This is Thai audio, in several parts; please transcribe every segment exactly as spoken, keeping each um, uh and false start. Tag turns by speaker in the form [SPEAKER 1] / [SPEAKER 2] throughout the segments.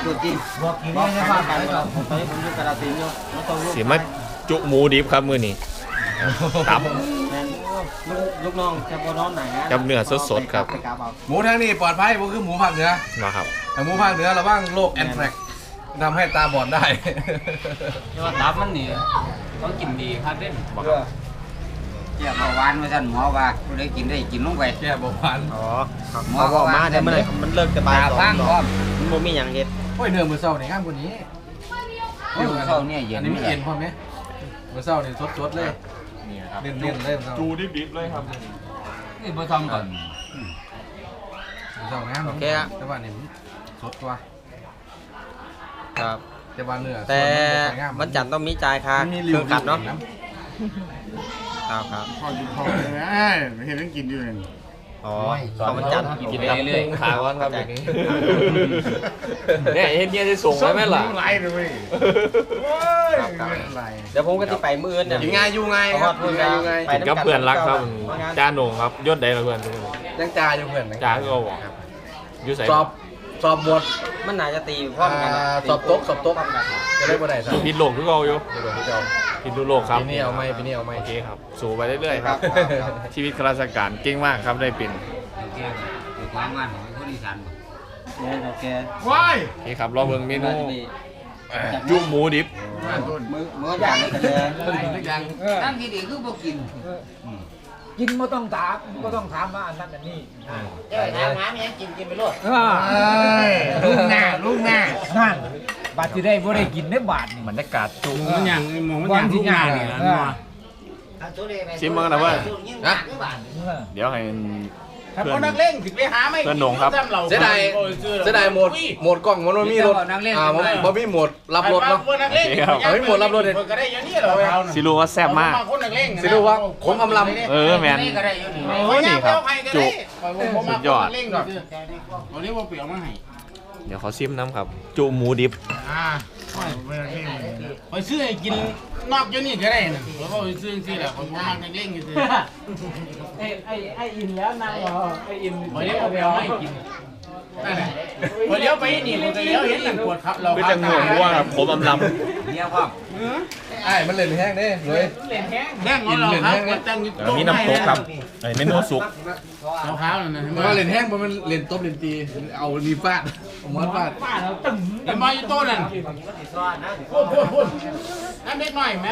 [SPEAKER 1] ตัวจริงบอกกินได้ไม่พลาดกันครับตอนนี้ผมอยู่กระดาษสีอยู่
[SPEAKER 2] สีมาจุหมูดิบครับมื้อนี้ตับ
[SPEAKER 1] ลูกน้องจะพอนอนไหนนะ
[SPEAKER 2] กับเนื้อสดๆครับ
[SPEAKER 3] หมูทางนี้ปลอดภัยผมคือหมูภาคเหนือ
[SPEAKER 2] นะครับ
[SPEAKER 3] แต่หมูภาคเหนือระวังโรคแอนแทรกทำให้ตาบอดได้
[SPEAKER 1] ที่ว่าตับมันนี่ต้องกินดีครับเด่นแก้เบาหวานมาสั่นหมอว่าผู้ใดกินได้กินลงไป
[SPEAKER 3] แก้เบาหวาน
[SPEAKER 2] อ๋อ
[SPEAKER 1] หมอบอกมาแต่เมื่อไหร่มันเลิกจะบายฟังพร้อมมันบ่มีอย่างเด็ด
[SPEAKER 3] โอ้ยเนื้อมือเศร้าเนี่ยข้ามกว่านี้
[SPEAKER 1] มือเศร้าเนี่ยเย็น
[SPEAKER 3] อันนี้มีเย็นพอไหมมือเศร้าเนี่ยสดๆเลยเน้นๆเลย
[SPEAKER 2] จูดิบๆเลยครับ
[SPEAKER 1] นี่บ่ทำก่อน
[SPEAKER 3] มือเศร้านะโอเคอะแต่ว่าเนี่ยสดกว่า
[SPEAKER 1] ครับ
[SPEAKER 3] แต่ว่าเนื้อ
[SPEAKER 1] แต่มันจันต้องมีจ่ายค่าเครื่องขัดเนาะครับครับ
[SPEAKER 3] พอกินพอเลยนะไม่เห็นต้องกินอยู่เลย
[SPEAKER 1] อ๋อตอนมันจัน
[SPEAKER 2] กินเรื่อยๆขาวันครับอย่างนี้เนี่ยเห็นเงี้ยจะส่งไว้ไหมล่ะ
[SPEAKER 3] ไล่เลย
[SPEAKER 1] เดี๋ยวผมก็จะไปมื้อเนี่ย
[SPEAKER 3] ยังไงอยู่ไงครับอยู่ไง
[SPEAKER 2] กินกับเพื่อนรักครับจ้าโหน่งครับยศใดละเพื่อน
[SPEAKER 3] ยังจ่าอยู่เพื่อน
[SPEAKER 2] จ่าก็บอกอยู่ใส่
[SPEAKER 3] สอบสอบบท
[SPEAKER 1] มันน่าจะตีพร้อมกัน
[SPEAKER 3] สอบโต๊ะสอบโต๊ะจะได้บ่ได้ครับ
[SPEAKER 2] พิดโลกทุกเอาอยู่พิดดูโลกครับ
[SPEAKER 3] ปีนี้เอาไหมปีนี้เอาไหม
[SPEAKER 2] โอเคครับสู่ไปเรื่อยๆครับชีวิตข้าราชการเก่งมากครับได้เป็น
[SPEAKER 1] โอเคความงานของคนอีสานบ่โอเค
[SPEAKER 3] ว้าย
[SPEAKER 2] โอเคครับรอเบิ่งเมนูจุ่มหมูดิบ
[SPEAKER 1] มื้อมื้ออย่างนี้กันเลยตั้งที่ดีคือบ่กิน
[SPEAKER 4] กินไม่ต้องถามก็ต้องถามว่าอันนั้นอันนี้
[SPEAKER 1] เจ้าถามหาไม่ยังกินกินไปโลด
[SPEAKER 4] ลูกหน้าลูกหน้านั่นบาดที่ได้บ่ได้กินได้บาดนี่
[SPEAKER 2] บรรยากาศจุ่ม
[SPEAKER 4] มันอย่างมองมันอย่างลูกหน้านี่นะ
[SPEAKER 2] ชิมมั้งนะว่าเดี๋ยวให้
[SPEAKER 4] เพื่อนนักเล่นถึงไปหาไม่
[SPEAKER 2] เพื่อนหนงครับ
[SPEAKER 3] เสียดายเสียดายหมดหมดกล้องมันมีรถอ่ามันมีหมดรับรถเนาะเอาไม่หมดรับรถเลย
[SPEAKER 2] สิรู้ว่าแซ่บมาก
[SPEAKER 3] สิรู้ว่าขมอำล
[SPEAKER 2] ำเออแมนโอ้ยนี่ครับจุสุดยอด
[SPEAKER 4] วันนี้ว่าเปลี่ยนมาให้
[SPEAKER 2] เดี๋ยวเขาซิมน้ำครับจุหมูดิบ
[SPEAKER 4] อ่าไปซื้อกินนอกอยู่นี่ก็ได้นะเพราะว่าไปซื้อที่แหละคนมากนักเล่นกันซื้อไอ้ไอ้ไอ้อินแล้วนางรอไอ้อินพอเลี้ยวไปเอาให้กินนั่นแหละพอเลี้ยวไปนี่เลยเลี้ยวเห็นหลังปวดครับเรา
[SPEAKER 2] เป็นจังหวะว่าผมอำลำ
[SPEAKER 1] เนี่ยพ่อ
[SPEAKER 3] ไอ้มันเล่นแห้งเด้เลย
[SPEAKER 4] เล่นแห้งแห้งเราครับ
[SPEAKER 2] มีน้ำตกครับไอ้เมนูสุก
[SPEAKER 4] เราข้าวนั่นนะ
[SPEAKER 3] มันเล่นแห้งมันเล่นต้มเล่นตีเอาดีฟาดหมอนฟาด
[SPEAKER 4] ฟาดเราตึงเห็นมาอยู่โต๊ะนั่นพูดพูดพูดนั่นเล็กหน่อยไหม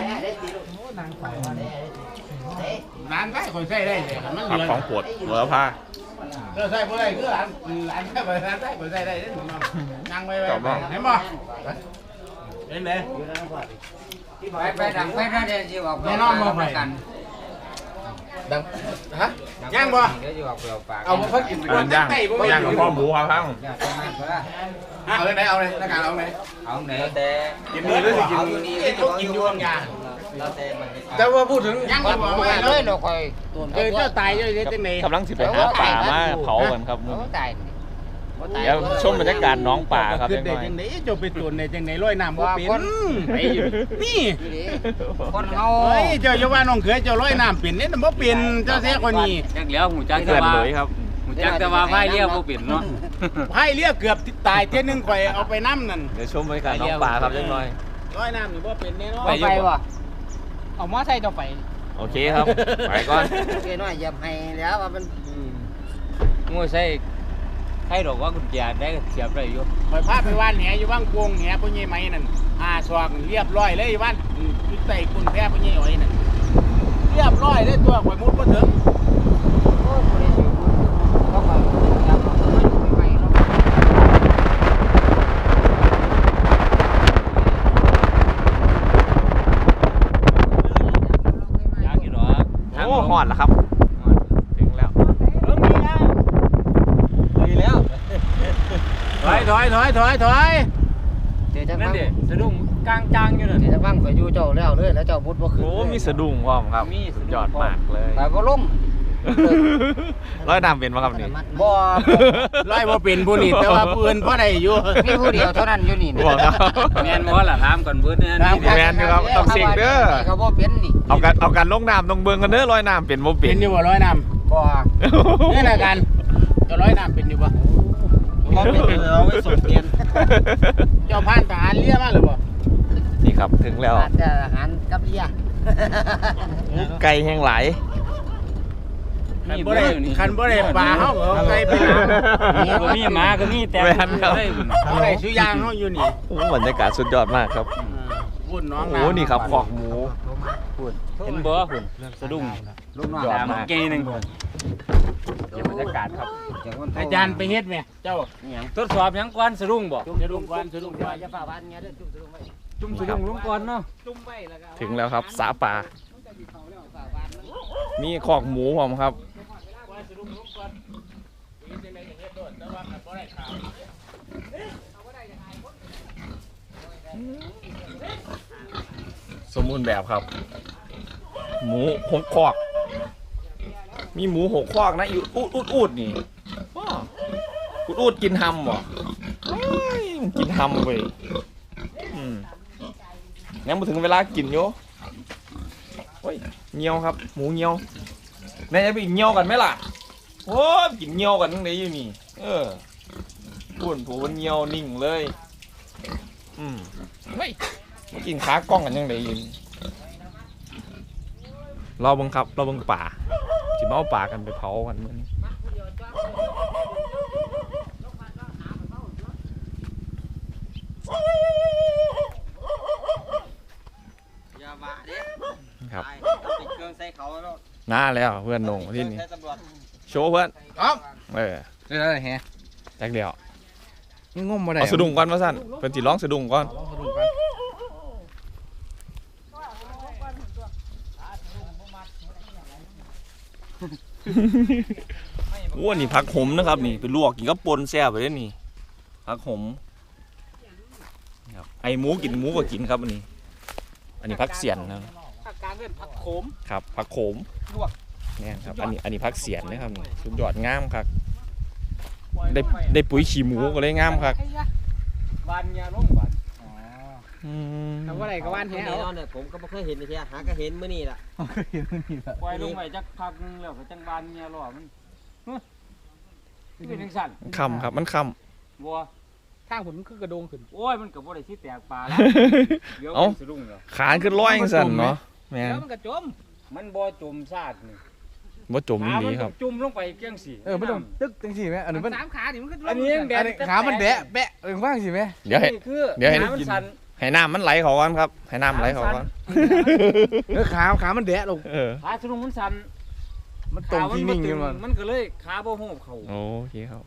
[SPEAKER 4] ร้านใกล้คนใส่ได้เลยมันเหลือ
[SPEAKER 2] ของปวดเหลือผ้า
[SPEAKER 4] เราใส่พวกอะไรคือร้านร้านใกล้คนร้านใกล้คนใส่ได้ได้นั่งไปไปเห็นบ่เห็นไหม
[SPEAKER 1] ไปไปดังไปนั่นเดี๋ยวจะออกไปนอนบ่ไปกัน
[SPEAKER 3] ดังฮะ
[SPEAKER 4] ย่างบ่
[SPEAKER 3] เอามาพักกิน
[SPEAKER 2] ย่างย่างกับพ่อหมูครับทั้ง
[SPEAKER 3] เอาเลยไหนเอาเลยหน้ากากเอาเลย
[SPEAKER 1] เอาไหนแต่
[SPEAKER 3] กินดีด้วยสิกิน
[SPEAKER 4] ดีเขากินยวงยา
[SPEAKER 3] แต่ว่าพูดถึง
[SPEAKER 4] ย่างบ่ไปเลยเราคอยเออเจ้าตายเยอะๆจังไหน
[SPEAKER 2] กำลังสิไปหาป่ามาเผากันครับเดี๋ยวชมบรรยากาศน้องป่าครับ
[SPEAKER 4] จังไหนจะไปตุนในจังไหนลอยน้ำบ่เป็นนี่
[SPEAKER 1] คนเฮา
[SPEAKER 4] เฮ้ยเจ้าอย่าว่าน้องเขยเจ้าลอยน้ำเป็นเนี่ยบ่เป็นเจ้าแท้คนนี้
[SPEAKER 1] จังแล้วหูจัก
[SPEAKER 2] แต่ว่าครับ
[SPEAKER 1] หูจักแต่ว่าพายเรือบ่เป็นเนาะ
[SPEAKER 4] พายเรือเกือบตายเท่นึงข่อยเอาไปน้ำนั่น
[SPEAKER 2] เดี๋ยวชมบรรยากาศน้องป่าครับจังหน่อย
[SPEAKER 4] ลอยน้ำนี่บ่เป็นแน่นอน
[SPEAKER 1] ไปบ่
[SPEAKER 4] เอามาใส่เจ้าไป
[SPEAKER 2] โอเคครับไปก่อน
[SPEAKER 1] โอเคน้อยอย่าให้แล้วว่ามันงูใส่ให้ดอกว่ากุญแจได้เสียบได้อยู่
[SPEAKER 4] คอยพาไปว่านแหอยู่บ้างกวงแหพ่อใหญ่ไหมนั่นอ่าสวกเรียบร้อยเลยว่านยุดใส่กุญแจพ่อใหญ่อ้อยนั่นเรียบร้อยเลยตัวข่อยมุดมาถึง
[SPEAKER 2] โอ้หอดแล้วครับถึงแล้ว
[SPEAKER 4] ถอยถอยถอยถอยถอย
[SPEAKER 1] เดี๋ยวจะฟัง
[SPEAKER 4] สะดุ้งกลางจางอยู่นั่น
[SPEAKER 1] เดี๋ยวจะฟังข่อยอยู่เจ้าแล้วเลยแล้วเจ้าบุญบ่ขึ้น
[SPEAKER 2] โอ้มีสะดุ้งพร้อมครับมีสุดยอดมากเลย
[SPEAKER 1] แต่บ่ล้ม
[SPEAKER 2] ร้อยน้ำเป็นป่ะครับนี่
[SPEAKER 1] บ่
[SPEAKER 4] ร้อยบ่เป็นผู้นี่แต่ว่าผู้อื่นพอได้อยู่
[SPEAKER 1] มีผู้เดียวเท่านั้นอยู่นี่
[SPEAKER 2] บอกครับ
[SPEAKER 1] แม่นบ่ล่ะถามก่อนเบิ่น
[SPEAKER 2] เนี่ยแม่นอยู่ครับต้องเสี่ยงเด้อ
[SPEAKER 1] ก็บ่เป็นนี่
[SPEAKER 2] เอากันเอากันลงน้ำต้องเบิ่งกันเด้อร้อยน้ำเป็นบ่เป็น
[SPEAKER 4] อยู่บ่ร้อยน้ำ
[SPEAKER 1] บ่
[SPEAKER 4] นี่น่ะกันจะร้อยน้ำเป็นอยู่บ่
[SPEAKER 1] บ่เป็นเราไม่สนเตียน
[SPEAKER 4] เจ้าพานทหารเลี้ยมาหรือเปล่า
[SPEAKER 2] นี่ครับถึงแล้ว
[SPEAKER 5] จะอาหารกับเลี้ย
[SPEAKER 2] ไก่แห้งหลาย
[SPEAKER 4] คันบ่ได้คันบ่ได้ปลาเฮาเอาไก่ไปหา
[SPEAKER 1] ก็มีหมาก็มีแต่
[SPEAKER 2] แม่นครับ
[SPEAKER 4] บ่ได้สุยางเฮาอยู่นี่
[SPEAKER 2] โอ้บรรยากาศสุดยอดมากครับ
[SPEAKER 4] วุ่นน้อง
[SPEAKER 2] โอ้นี่ครับขอกหมู
[SPEAKER 1] เห็นบ่หุ่นสะดุ้ง
[SPEAKER 5] ลูกน้อง
[SPEAKER 2] ยอด
[SPEAKER 1] ตาม
[SPEAKER 2] มาก
[SPEAKER 1] เกยนึงเดี๋ยวบรรยากาศครับ
[SPEAKER 4] อาจารย์ไปเฮ็ดแม่เจ้า
[SPEAKER 1] ทดสอบยังก่อนสะดุ้งบ่
[SPEAKER 4] จะดุงก่อนจะดุงก่อน
[SPEAKER 5] จะฝ่าวันเงี้ยเด้อจุ่มจุ่มไว้
[SPEAKER 1] จุ่มสะดุ้งลงก่อนเนาะ
[SPEAKER 5] จุ่มไว้แล้วก็
[SPEAKER 2] ถึงแล้วครับสาป่า
[SPEAKER 5] ฝ่าวันมัน
[SPEAKER 2] มีขอกหมูผมครับสมบูรณ์แบบครับ หมูหกคอกมีหมูหกคอกนะอยู่อูดอูดอูดนี่อ้ออูดอูดกินหำเหรอเฮ้ยมันกินหำเว้ยอืมยังมาถึงเวลากินโยโอ้ยเงี้ยวครับ หมูเงี้ยวแม่จะไปเงี้ยวกันไหมล่ะโอ้ยกินเงี้ยวกันทั้งไหนอยู่นี่เออพูนผูมันเงี้ยวนิ่งเลยอืมเฮ้ยมากินขากล้องกันยังไงอยู่นี่เราบังคับเราบังป่าจิมาเอาป่ากันไปเผากันมื้อนี้
[SPEAKER 5] อย่ามาเด้
[SPEAKER 2] ครับ
[SPEAKER 5] ติดเครื่องใส่เขาแล้ว
[SPEAKER 2] น่าแล้วเพื่อนหนงที่นี่
[SPEAKER 5] ใส่ตำรวจ
[SPEAKER 2] โชว์เพื่อน
[SPEAKER 3] อ้าว
[SPEAKER 2] เออ
[SPEAKER 3] ได้แล้วแฮะ
[SPEAKER 2] แจ็คเดียว
[SPEAKER 3] นี่งมบ่ได้
[SPEAKER 2] เอาสะดุ้งก่อนมาสั่นเพิ่นสิร้องสะดุ้งก่อน
[SPEAKER 3] สะดุ้งกัน
[SPEAKER 2] ว้านี่ผักหมนะครับนี่ไปลวกกินกับปนแซ่บไปเลยนี่ผักหมครับไอหมูกินหมูก็กินครับอันนี้ อันนี้ผักเสียนนะ
[SPEAKER 4] ภาคกลางเอิ้นผักโขม
[SPEAKER 2] ครับผักโขม
[SPEAKER 4] ลวก
[SPEAKER 2] เนี่ยครับอันนี้อันนี้ผักเสียนนะครับนี่สุดยอดงามครับได้ได้ปุ๋ยขี้หมูก็เลยงามครับ
[SPEAKER 1] บานยาลงบาน
[SPEAKER 2] อืม
[SPEAKER 4] ทำว่าไรก็ว่านแท้
[SPEAKER 5] แน่นอนเนี่ยผมก็ไม่เคยเห็นเลยทีหาก็เห็นมื้อนี้ล่ะ
[SPEAKER 1] ปล่อยลงไปจักพักนึงแล้วก็จังบานยาล้อมันเป็นจังสั่น
[SPEAKER 2] คำครับมันค
[SPEAKER 1] บัว
[SPEAKER 4] ทางผมคือกระโดงขึ้น
[SPEAKER 1] โอ้ยมันก็บ่ได้สิแตกปลาแล้ว
[SPEAKER 2] ำ
[SPEAKER 1] เดี๋ยว
[SPEAKER 2] เอ้า
[SPEAKER 1] สะดุ้งแล้ว
[SPEAKER 2] ขานขึ้นร้อยจังสั่นเนาะแม่น
[SPEAKER 4] แล้วมันกระจม
[SPEAKER 1] มันบ่จมซาดนี่
[SPEAKER 2] บ่จม
[SPEAKER 1] ขา
[SPEAKER 2] ดี
[SPEAKER 1] มัน
[SPEAKER 2] ครับ
[SPEAKER 1] จุ่มลงไปเกี้ยงสิ
[SPEAKER 3] เออไม่ต้องตึกจังสิแม่อันนี้มัน
[SPEAKER 4] สามขานี่มันก็
[SPEAKER 1] อันนี้ยังแด
[SPEAKER 3] อั
[SPEAKER 1] ด
[SPEAKER 3] นนี้ขามันแดะแบะเออว่างสิแม่
[SPEAKER 2] เดี๋ยวให้
[SPEAKER 1] นี่คือ
[SPEAKER 2] เดี๋ยวให้
[SPEAKER 1] ขามันสั่น
[SPEAKER 2] ให้น้ำมันไหลเขาก่อนครับให้น้ำไหลเขาก่อน
[SPEAKER 3] เออขาขามันแดะลง
[SPEAKER 2] เออ
[SPEAKER 1] ขาสะดุ้งมันสั่น
[SPEAKER 3] มันตรงที่นิ่ง
[SPEAKER 1] ขา
[SPEAKER 3] ขึ้น
[SPEAKER 1] มั
[SPEAKER 3] มา
[SPEAKER 1] บ่ตึมันก็เลยขาบ่โหบเข้า
[SPEAKER 2] โอเคครับ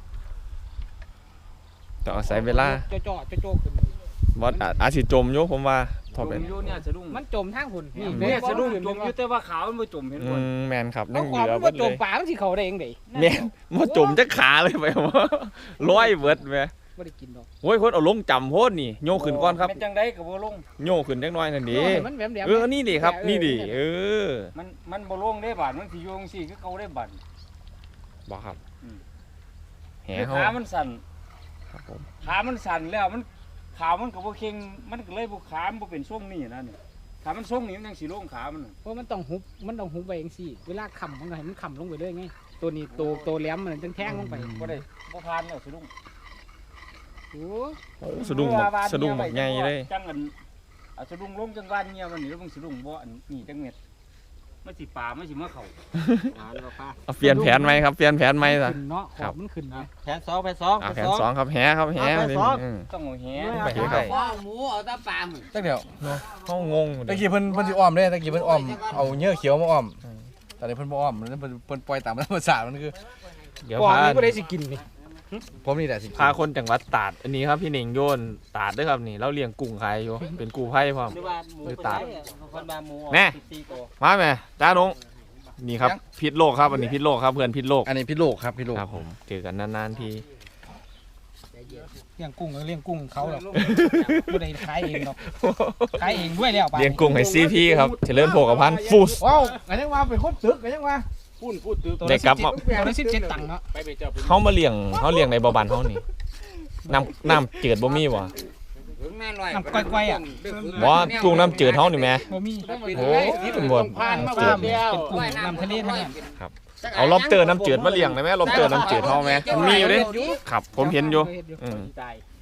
[SPEAKER 2] ต้องอาศัยเวลา
[SPEAKER 4] จ่อจ่อจ่อจ่อขึ้น
[SPEAKER 2] บอสอาจสิจมอยู่ผมว่าทอ
[SPEAKER 1] จ
[SPEAKER 2] เป็น
[SPEAKER 1] มอยู่เนี่ยสะดุ้ง
[SPEAKER 4] มันจมทางหุ่น
[SPEAKER 1] เนี่ยสะดุ้งจมอยู่แต่ว่าขามันบ่จมเห็น
[SPEAKER 2] อื
[SPEAKER 1] บ่
[SPEAKER 2] มแมนครับ
[SPEAKER 4] ต้
[SPEAKER 2] นั่
[SPEAKER 4] อง
[SPEAKER 2] ง
[SPEAKER 4] ค
[SPEAKER 2] เห
[SPEAKER 4] วาม
[SPEAKER 2] ลือ
[SPEAKER 4] มัน
[SPEAKER 2] เบิด
[SPEAKER 4] จ
[SPEAKER 2] เล
[SPEAKER 4] ม
[SPEAKER 2] ย
[SPEAKER 4] ป่ามันสิเขาได้เองเด้
[SPEAKER 2] แมนมันจมจะขาเลยไปว่าร้อยเบิดแม่
[SPEAKER 4] บ่ได้กินดอก
[SPEAKER 2] โอ้ยคนเอาลงจำโพดนี่โยกขึ้นก่อนครับ
[SPEAKER 1] เป็นจังไดก็บ่ลง
[SPEAKER 2] โยกขึ้นจักหน่อยนั่นดิ
[SPEAKER 4] มันแหลมแหลม
[SPEAKER 2] เออนี่ดิครับนี่ดิเออ
[SPEAKER 1] มันมันบ่ลงได้บาดมันสิโยงสิคือเก่าได้บาด
[SPEAKER 2] บอกครับ
[SPEAKER 1] อืม
[SPEAKER 2] แห
[SPEAKER 1] คือ
[SPEAKER 2] เฮา
[SPEAKER 1] ขามันสั่น
[SPEAKER 2] ครับผม
[SPEAKER 1] ขามันสั่นแล้วมันขามันก็บ่เค็งมันก็เลยบ่ขามันบ่เป็นทรงนี่นะเนี่ยขามันทรงนี่มันยังสิลงขามันน่ะ
[SPEAKER 4] เพราะมันต้องหุบมันต้องหุบไปเองสิเวลาค้ำมันก็ให้มันค้ำลงไปเลยไงตัวนี้ตัวตัวแหลมมันจังแทงลงไป
[SPEAKER 1] บ่ได้บ่ผ่านแล้วสะดุ้ง
[SPEAKER 4] โอ้
[SPEAKER 2] โอ้สะดุ้งบักสะดุ้งบักใหญ่เลย
[SPEAKER 1] จังอันเอาสะดุ้งลงจังบ้านเงียมันนี่แล้วมึงสะดุ้งบ่อันนี่จังเม็ดมันสิป่ามันสิมาเข้า
[SPEAKER 5] หาแล้วก็ป้า
[SPEAKER 2] เอาเปลี่ยนแผนไหมครับเปลี่ยนแผนไหมซะ
[SPEAKER 4] ขึ้นเนาะข
[SPEAKER 2] ครั
[SPEAKER 4] อบ บมันขึ้นนะ
[SPEAKER 5] แผนสองแผนสอง
[SPEAKER 2] อ่ะแผนสองครับแหครับแห
[SPEAKER 5] เอาแผนสอง
[SPEAKER 2] อืม
[SPEAKER 1] ต้องเอาแห
[SPEAKER 2] ไปเถอะครับ
[SPEAKER 5] ว่าหมูเอาตาปลาหมึ
[SPEAKER 3] ตั้งเดียว
[SPEAKER 2] เขางง
[SPEAKER 3] ตะกี้เพิ่นเพิ่นสิอ้อมเด้ตะกี้เพิ่นอ้อมเอาเนื้อเขียวมาอ้อมตอนนี้เพิ่นบ่อ้อมแล้วเพิ่นเพิ่นปล่อยตามธรรมชาติมันคือ
[SPEAKER 2] เดี๋ยว
[SPEAKER 4] ปอ
[SPEAKER 2] พา
[SPEAKER 4] นี่ก็ได้สิกินนี่
[SPEAKER 3] ผมนี่แหละสิ
[SPEAKER 2] พาคนจังหวัดตราดอันนี้ครับพี่เน่งโยนตราดด้วยครับนี่เราเลี้ยงกุ้งขายอยู่เป็นกูไผ่พร้อม
[SPEAKER 5] หรือว่าหมู
[SPEAKER 2] หรือ
[SPEAKER 5] เป็น
[SPEAKER 2] ตา
[SPEAKER 5] ไรคนมาหมู
[SPEAKER 2] แม่
[SPEAKER 5] สิบสี่ตัว
[SPEAKER 2] มาไหมจ้าดงนี่ครับพิษโลกครับอันนี้พิษโลกครับเพื่อนพิษโลก
[SPEAKER 3] อันนี้พี่โลกครับพี่โลก
[SPEAKER 2] ครับผมเจอกันนานๆที
[SPEAKER 4] เลี้ยงกุ้งก็เลี้ยงกุ้งเขาหรอกบ่ได้ขายเองหรอกขายเองด้วยแล้วป่ะ
[SPEAKER 2] เลี้ยงกุ้งให้ซีพีครับเฉลิมโภคภัณฑ์ฟูส
[SPEAKER 3] ว้าวกันยังว่าเป็นคนตึกกันยังว่า
[SPEAKER 1] พูดพูดตึก
[SPEAKER 2] ได้กลับมา
[SPEAKER 4] ตัวละสิบเจ็ดตังค์เนาะ
[SPEAKER 1] ไปไปเจ้าไป
[SPEAKER 2] เขามาเลี้ยงเขาเลี้ยงในบ่อบันเขานี่น้ำน้ำจืดบ่มีวะ
[SPEAKER 1] ถึงแม่ลอย
[SPEAKER 4] น้ำก้อยๆอ่ะ
[SPEAKER 2] ว่ากุ้งน้ำจืดเขานี่แม่
[SPEAKER 4] บ่มี
[SPEAKER 2] โอ้ยเป็นบ่
[SPEAKER 4] ผ่านมาแบบเดียวเป็นกุ้งน้ำทะเลเท่านั้น
[SPEAKER 2] เอาล็อบสเตอร์น้ำจืดมาเลี้ยงได้ไหมล็อบสเตอร์น้ำจืดเขาไหมมันมีอยู่เดิครับ ผมเห็นอยู่อืม
[SPEAKER 1] ตาย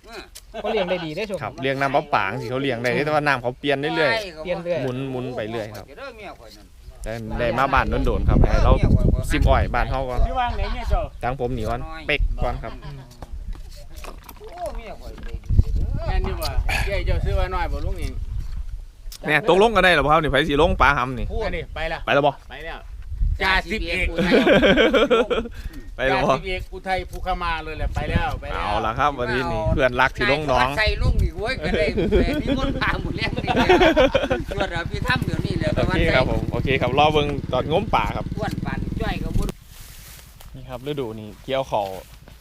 [SPEAKER 6] เขาเลี้ยงได้ดีได้ชม
[SPEAKER 2] ครับเลี้ยงน้ำปลาป่าสิเขาเลี้ยงได้แต่ว่าน้ำเขาเปลี่ยนเรื่อย
[SPEAKER 6] เปลี่ยนเรื่อย
[SPEAKER 2] ๆหมุนหมุนไปเรื่อยครับ
[SPEAKER 1] เด้อเมียข่อยนั่น
[SPEAKER 2] แต่ได้มาบ้านโดนๆครับให้เราซิมอ่อยบ้านเฮาก่อน
[SPEAKER 4] พี่วางไหนเนี่ยเจ้า
[SPEAKER 2] ตั้งผมหนีก่อนเป๊กก่อนครับ
[SPEAKER 1] โอ้เมียข่อยได้
[SPEAKER 4] แม่นอยู่บ่เจ้าเจ้าซื้อไว้หน่อยบ่ลุงเอง
[SPEAKER 2] เนี่ยตกลงกันได้หรอครับนี่ไผสิลงปลาหำนี่
[SPEAKER 4] พูดนี่ไปละ
[SPEAKER 2] ไปแล้วบ่
[SPEAKER 4] ไปแล้วจ่าสิบเอก
[SPEAKER 2] ไปแล้ว
[SPEAKER 4] จ่า
[SPEAKER 2] บ่
[SPEAKER 4] สิบเอกอุทัยภูคามาเลยแหละไปแล้วไปแล้ว
[SPEAKER 2] เอาละครับวันนี้นี่เพื่อนรักที่ลงน้อง
[SPEAKER 1] ใส่ลุงนี่โว้ยก็ได้มีมนต์พาหมดแรงนี่ตรวจเอาพี่ทำเดี๋ยวนี้เลย
[SPEAKER 2] โอเคครับผมโอเคครับรอเบิ่งตอนงมป่าครับ
[SPEAKER 1] อ้วนปานจ้อยก็บ่
[SPEAKER 2] นี่ครับฤดูนี้เกี่ยวเขา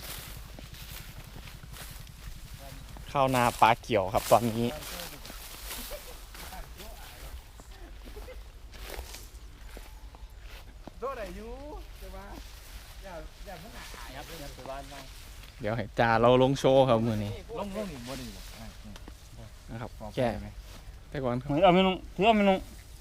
[SPEAKER 2] ข้าวนาปลาเกี่ยวครับตอนนี้เดี๋ยวให้จ่าเราลงโชว์ครับมือนี้นะครับแก้ไหมแต่ก่อนครับ
[SPEAKER 4] เอาไม่ลงถือเอาไม่ลง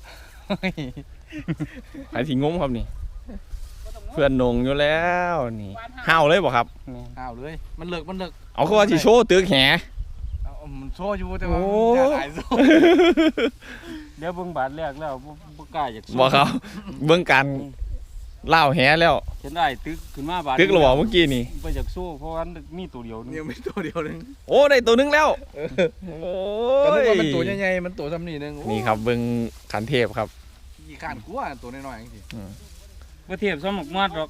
[SPEAKER 2] ไอ้ที่งมครับนี่ เพื่อนนงอยู่แล้วนี่ห้าวเลยบ่ครับ
[SPEAKER 3] อ้าวเลยมันเลิกมันเลิก
[SPEAKER 2] เอาเขาว่าสิโชว์ตึกแห
[SPEAKER 3] เอามันโชว์อยู่แต่ว่า
[SPEAKER 2] โอ้
[SPEAKER 3] อยากหายโซ่
[SPEAKER 4] เดี๋ยวเบิ่งบาทแรกแล้วบ่กล้าอยาก
[SPEAKER 2] บอกเขาเบื้องการเล่าวแหแล้ว
[SPEAKER 4] เห็นได้ตึกขึ้นมาบาท
[SPEAKER 2] ตึกเราบอกเมื่อกี้นี่
[SPEAKER 4] ไปจากสู้เพราะว่ามีตัวเดียวนึง
[SPEAKER 3] ยังไม่ตัวเดียวนึง
[SPEAKER 2] โอ้ได้ตัวนึงแล้วโอ้
[SPEAKER 3] ก็นึก
[SPEAKER 2] ย
[SPEAKER 3] ว่ามันตัวใหญ่ๆมันตัวซ้ำนี่นึง
[SPEAKER 2] นี่ครับเบื้องขันเทพครับ
[SPEAKER 3] กี่ขานกลัวตัวน้อยๆจริง
[SPEAKER 4] บ่เทียบซ้ำหมกมัดหรอก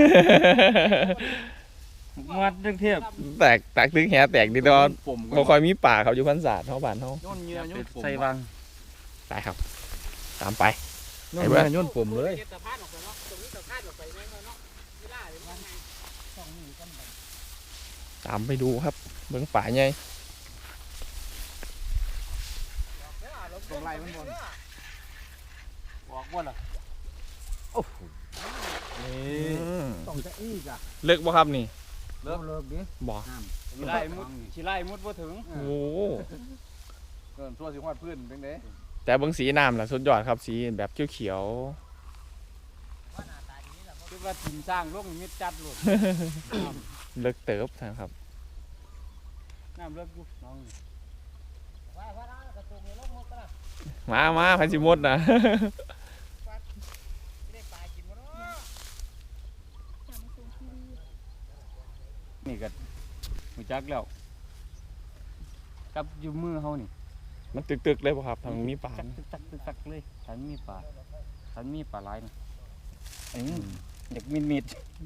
[SPEAKER 4] หมกมัดจังเทียบ
[SPEAKER 2] แตกแตกตึกแหแตกดีตอน
[SPEAKER 3] ปุ่ม
[SPEAKER 2] บ่ค่อยมีป่าครับอยู่พันศาสตร์เท่าบ้านเท่า
[SPEAKER 3] ย่นเงี้ยย่นปุ่ม
[SPEAKER 4] ใส่วาง
[SPEAKER 2] ไปครับ ตามไป
[SPEAKER 3] ย่นเงี้ยย่นปุ่มเลย
[SPEAKER 2] ตามไปดูครับเบื้องป่าใหญ่
[SPEAKER 3] ตรงไหล่มันบน
[SPEAKER 4] บอกบ่ล่ะ
[SPEAKER 6] ต้องจะอีกอ่ะ
[SPEAKER 2] เลิกบ่ครับนี่
[SPEAKER 6] เลิกเลิกดิ
[SPEAKER 2] บ่
[SPEAKER 4] สิไล่มุดสิไล่มุดบ่ถึง
[SPEAKER 2] โอ้
[SPEAKER 3] เกินชั่วสิฮอดพื้นเป็นไง
[SPEAKER 2] แต่เบื้องสีน้ำล่ะสุดยอดครับสีแบบเขียว
[SPEAKER 4] คิดว่าทีมสร้างลงมิดจัดลูก
[SPEAKER 2] ๆเลิกเติบนะครับ
[SPEAKER 4] น้ำเลิกอยู่น้อง
[SPEAKER 2] มามาพันสิมดนะ
[SPEAKER 4] นี่ก็หูจักแล้วกับอยู่มือเฮานี่
[SPEAKER 2] มันตึกๆเลยป่ะครับทางมีป่า
[SPEAKER 4] ตักตึกตักตึกตักเลยฉันมีปลาฉันมีปลาหลายนะอืมอยากมิดมิด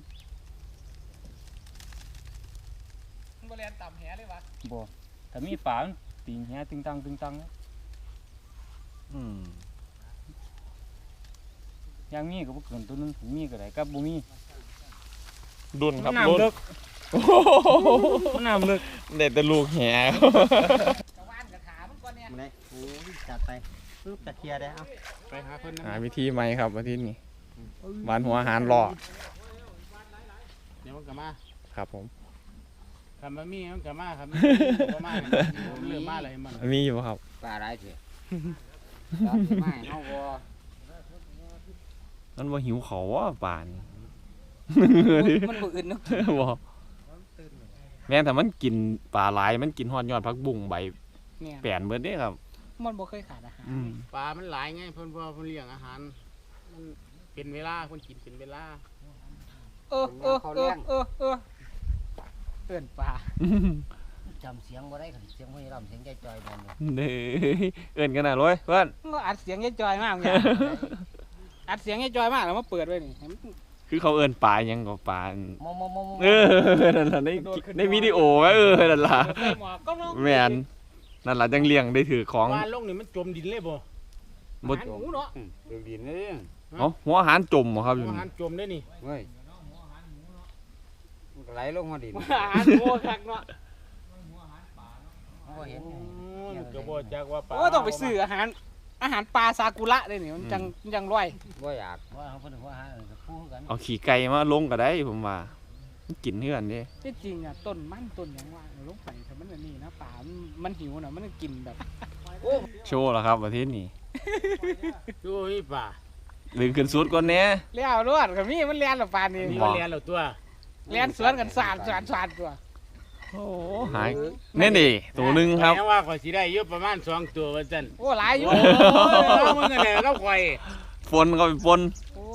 [SPEAKER 6] บริเวณต่ำแหเลยวะ
[SPEAKER 4] บ่ถ้ามีปลามันติงแหตึงตังตึงตัง
[SPEAKER 3] อืม
[SPEAKER 4] ย่างมีก็บ่เกินตัวนึงถึงมีก็ได้กับบ่มี
[SPEAKER 2] ดุนครับ
[SPEAKER 4] น้ำ
[SPEAKER 2] ดุน
[SPEAKER 4] เลิกน้ำเลิก
[SPEAKER 2] เด็ดแต่ลูกแห
[SPEAKER 6] กระวานกระขามันก่อนเนี่ย
[SPEAKER 5] มาเลยโอ้ยจัดไปปึ๊บจะเคลียร์ได้เอา
[SPEAKER 4] ไปหาเพิ่น
[SPEAKER 2] หาวิธีใหม่ครับอาทิตย์นี้หวานหัวอาหารรอ
[SPEAKER 4] เดี๋ยวมันก็มา
[SPEAKER 2] ครับผม
[SPEAKER 4] คันมันมีมันก็มาครับมันบ่มาเริ่มมาเลยมัน
[SPEAKER 2] มีอยู่ป่ะครับ
[SPEAKER 1] ปลาหลายเถอะตามที่ไม่เฮาบ่
[SPEAKER 2] มันว่าหิวเขาว่าป่าน
[SPEAKER 1] มันบ่อื่นเนาะ
[SPEAKER 2] บอกแม่นแต่มันกินปลาไหลายมันกินฮอดยอดพักบุ้งใบ
[SPEAKER 6] เนี่ย
[SPEAKER 2] แปนเบิดเด้ครับ
[SPEAKER 6] มันบ่เคยขาดอาหาร
[SPEAKER 2] อืม
[SPEAKER 4] ปลามันหลายไงเพิ่นว่าเพิ่นเลี้ยงอาหารมันเป็นเวลาเพิ่นกินเป็นเวลา
[SPEAKER 6] เออเออเออเออเออเตือนปลา
[SPEAKER 5] จำเสียงบ่ได้คันเสียงบ่ได้รำเสียงใจจอยนั่นเลย
[SPEAKER 2] เด้อเอิ้นกันน่ะเลยเพื่อน
[SPEAKER 6] ก็อัดเสียงยายจอยมากเนี่ยอัดเสียงยายจอยมากแล้วมาเปิดไว้นี่ให้มัน
[SPEAKER 2] คือเขาเอิ้นปลาหยังก็ปลา
[SPEAKER 5] มอมมอม
[SPEAKER 2] เออนั่นล่ะในในวิดีโอไหมเออนั่นล่ะ
[SPEAKER 6] ใส่หมวกก็ลง
[SPEAKER 2] แม่นนั่นล่ะจังเลี้ยงได้ถือของ
[SPEAKER 4] วานลงนี่มันจมดินเลยบ่
[SPEAKER 2] บ่
[SPEAKER 6] อาหารหมูเนาะ
[SPEAKER 1] ดูดินนี่
[SPEAKER 2] เอ้าหัวอาหารจมบ่ครับอยู่
[SPEAKER 4] อา
[SPEAKER 2] นี่
[SPEAKER 4] หารจมได้นี่
[SPEAKER 1] เว้ยมันก็ไหลลงมาดิน
[SPEAKER 6] อาหารหมูคักเนาะ
[SPEAKER 5] บ่เห็น
[SPEAKER 4] มันก็บ่จักว่าปลา
[SPEAKER 6] โอ้ต้องไปซื้ออาหาร อาหารปลาซากุระเลยนี่มันจังจังร่อย
[SPEAKER 1] บ่อยาก
[SPEAKER 5] ว่าเขาเพิ่นว่าหาเออกับผู้กัน
[SPEAKER 2] เอาขี้ไก่มาลงก็ได้ผมว่ามันกินเฮือนเด้
[SPEAKER 6] ที่จริงอ่ะต้นมันต้นหยังว่าเอาลงไปแต่มันอันนี่นะปลามันมันหิวน่ะมันกินแบบ
[SPEAKER 2] โชว์แล้วครับประเทศนี้
[SPEAKER 4] ดูมีปลา
[SPEAKER 2] ดึงขึ้นสุดก่อนแหน่
[SPEAKER 6] เลี้ยวรวดกับมีมันเลี้ยนหรอปลานี่
[SPEAKER 4] นี่ก็เรียนแล้วตัว
[SPEAKER 6] เลี้ยนสวนกันสาดสาดสาดตัว
[SPEAKER 2] โอ้หายนี่ดิตัวหนึ่งครับ
[SPEAKER 4] แม้ว่าข่อยสิได้อยู่ประมาณสองตัวว่าซั่น
[SPEAKER 6] โอ้หลายอยู่
[SPEAKER 4] โอ้ยมึงเนี่ยก็ข่อย
[SPEAKER 2] ฝนก็เป็นฝน
[SPEAKER 6] โอ้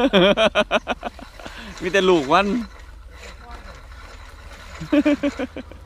[SPEAKER 2] มีแต่ลูกมัน